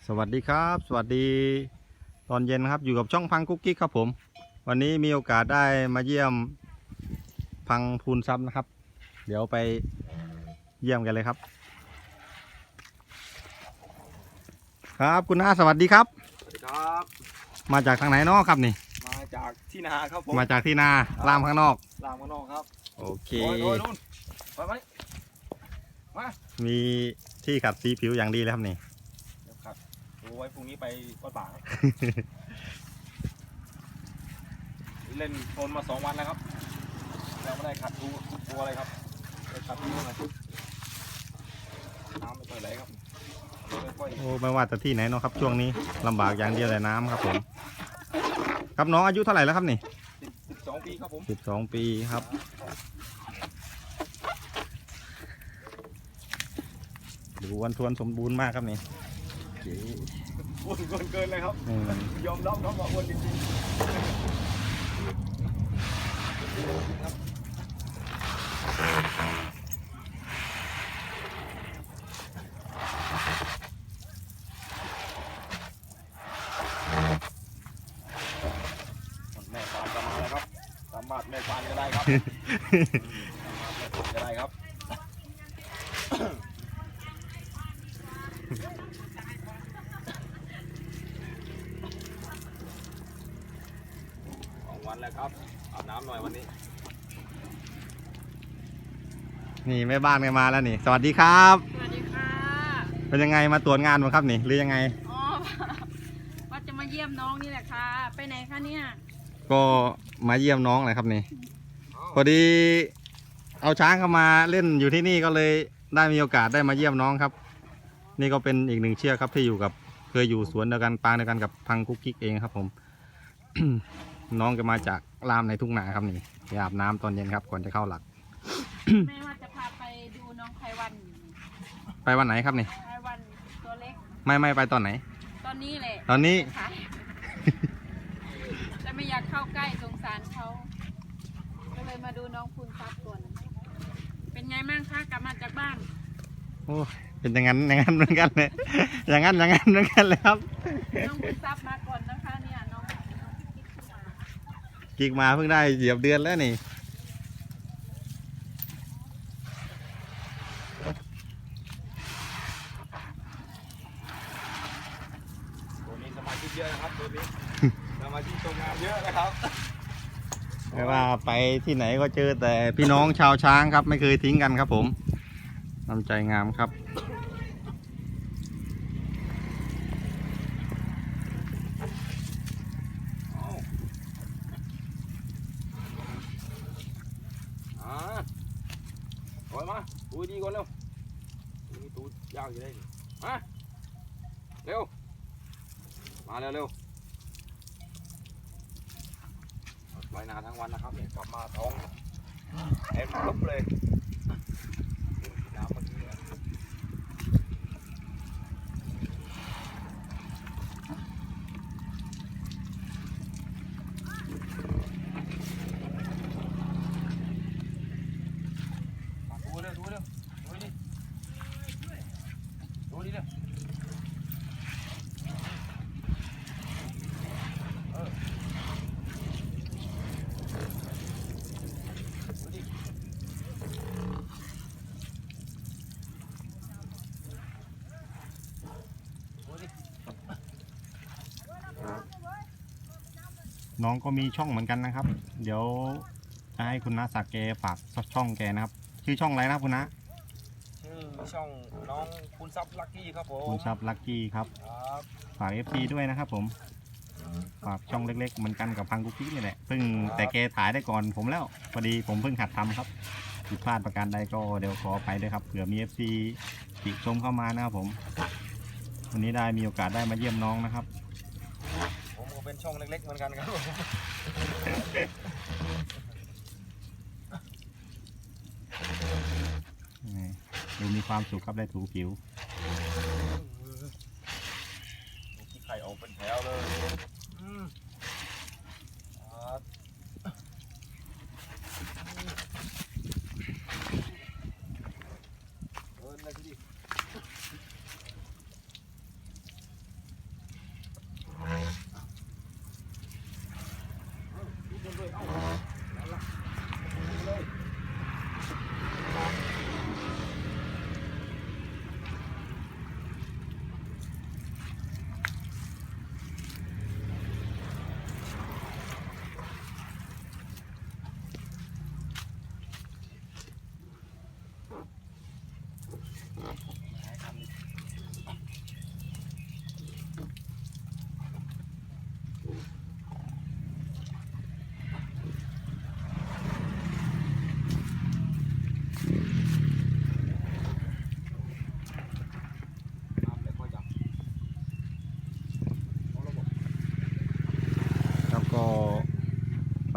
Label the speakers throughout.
Speaker 1: สวัสดีครับสวัสดีตอนเย็นครับอยู่กับช่องพังกุ๊กกิ๊กครับผมวันนี้มีโอกาสได้มาเยี่ยมพังพูนทรัพย์นะครับเดี๋ยวไปเยี่ยมกันเลยครับครับคุณน้าสวัสดีครับ
Speaker 2: สวัสดีครับ
Speaker 1: มาจากทางไหนนอกครับนี่
Speaker 2: มาจากที่นาครับผม
Speaker 1: มาจากที่นาล่ามข้างนอก
Speaker 2: ลามข้างนอกครับ
Speaker 1: โอเค
Speaker 2: โดยนู่นไปไหมมา
Speaker 1: มีที่ขัดสีผิวอย่างดีเลยครับนี่
Speaker 2: เดี๋ยวครับดูไว้พรุ่งนี้ไปวัดป่าเล่นโคลนมา2 วันแล้วครับยังไม่ได้ขัดดูตัวอะไรครับไปขัดดูหน่อยน้ำไม่ค่อยไหลครับ
Speaker 1: โอ้ไม่ว่าจะที่ไหนเนาะครับช่วงนี้ลำบากอย่างเดียวแต่น้ำครับผมครับน้องอายุเท่าไหร่แล้วครับนี่
Speaker 2: 12 ปีครับผม
Speaker 1: 12 ปีครับดูวันทวนสมบูรณ์มากครับนี่
Speaker 2: อ้วนเกินเลยครับยอมรับครับว่าอ้วนจริงแม่ปานจะมาแล้วครับสามารถแม่ปานก็ได้ครับจะได้ครับวันแล้วครับอาบน้ำหน่อยวันนี้
Speaker 1: นี่แม่บ้านกันมาแล้วนี่สวัสดีครับ
Speaker 3: สวัสดีค่ะ
Speaker 1: เป็นยังไงมาตรวจงานมั้งครับนี่หรือยังไง
Speaker 3: อ๋อว่าจะมาเยี่ยมน้องนี่แหละค่ะไปไหนคะเนี่ย
Speaker 1: ก็มาเยี่ยมน้องเลยครับนี่พอดีเอาช้างเข้ามาเล่นอยู่ที่นี่ก็เลยได้มีโอกาสได้มาเยี่ยมน้องครับนี่ก็เป็นอีกหนึ่งเชือกครับที่อยู่กับเคยอยู่สวนเดียวกันปางเดียวกันกับพังกุ๊กกิ๊กเองครับผม น้องก็มาจากลามในทุ่งนาครับนี่ไปอาบน้ำตอนเย็นครับก่อนจะเข้าหลัก
Speaker 3: แม่ว่าจะพาไปดูน้องไพวัน
Speaker 1: ไปวันไหนครับนี่
Speaker 3: ไพวันตัวเล็ก
Speaker 1: ไม่ไปตอนไหน
Speaker 3: ตอนนี้แหละ
Speaker 1: ตอนนี้
Speaker 3: แต่ไม่อยากเข้าใกล้สงสารเขาก็เลยมาดูน้องคุณซับก่อนเป็นไงบ้างคะกลับมาจากบ้าน
Speaker 1: โอ้เป็นอย่างนั้นเหมือนกันเลยอย่างนั้นเหมือนกันเลยครับ
Speaker 3: น้องคุณซับมาก่อนนะคะเนี่ยน้อง
Speaker 1: กิ๊กมาเพิ่งได้เหยียบเดือนแล้วนี่
Speaker 2: ตัวนี้สมาชิกเยอะนะครับตัวนี้สมาชิกทำงานเยอะนะครับ
Speaker 1: ไม่ว่าไปที่ไหนก็เจอแต่พี่น้องชาวช้างครับไม่เคยทิ้งกันครับผมน้ำใจงามครับ
Speaker 2: ถอยมาดูดีก่อนเร็วมีตูดยาวอยู่ได้มาเร็วมาเร็วไว้นานทั้งวันนะครับเนี่ยกลับมาท้องเอ็มลุกเลยน้ำมันดูดิเร็ว
Speaker 1: น้องก็มีช่องเหมือนกันนะครับเดี๋ยวจะให้คุณน้าสักแกฝากช่องแกนะครับชื่อช่องอะไรนะครับคุณน้า
Speaker 2: ชื่อช่องน้องคุณซับลักกี้ครับผม
Speaker 1: คุณซับลักกี้ครับฝาก FC ด้วยนะครับผมฝากช่องเล็กๆเหมือนกันกับพังกุ๊กกิ๊กนี่แหละซึ่งแต่แกถ่ายได้ก่อนผมแล้วพอดีผมเพิ่งหัดทำครับผิดพลาดประการใดก็เดี๋ยวขอไปด้วยครับเผื่อมี FC ติชมเข้ามานะครับผมวันนี้ได้มีโอกาสได้มาเยี่ยมน้องนะครับ
Speaker 2: ผมก็เป็นช่องเล็กๆเหมือนกันครับ
Speaker 1: ดูมีความสุขครับได้ถูผิว
Speaker 2: ขี้ไข่ออกเป็นแถวเลย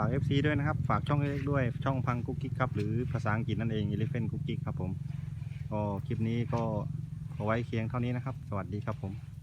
Speaker 1: าก FC ด้วยนะครับฝากช่องเล็กๆด้วยช่องพังกุ๊กกิ๊กครับหรือภาษาอังกฤษนั่นเอง Elephant Cookie ครับผมก็คลิปนี้ก็เอาไว้เคียงเท่านี้นะครับสวัสดีครับผม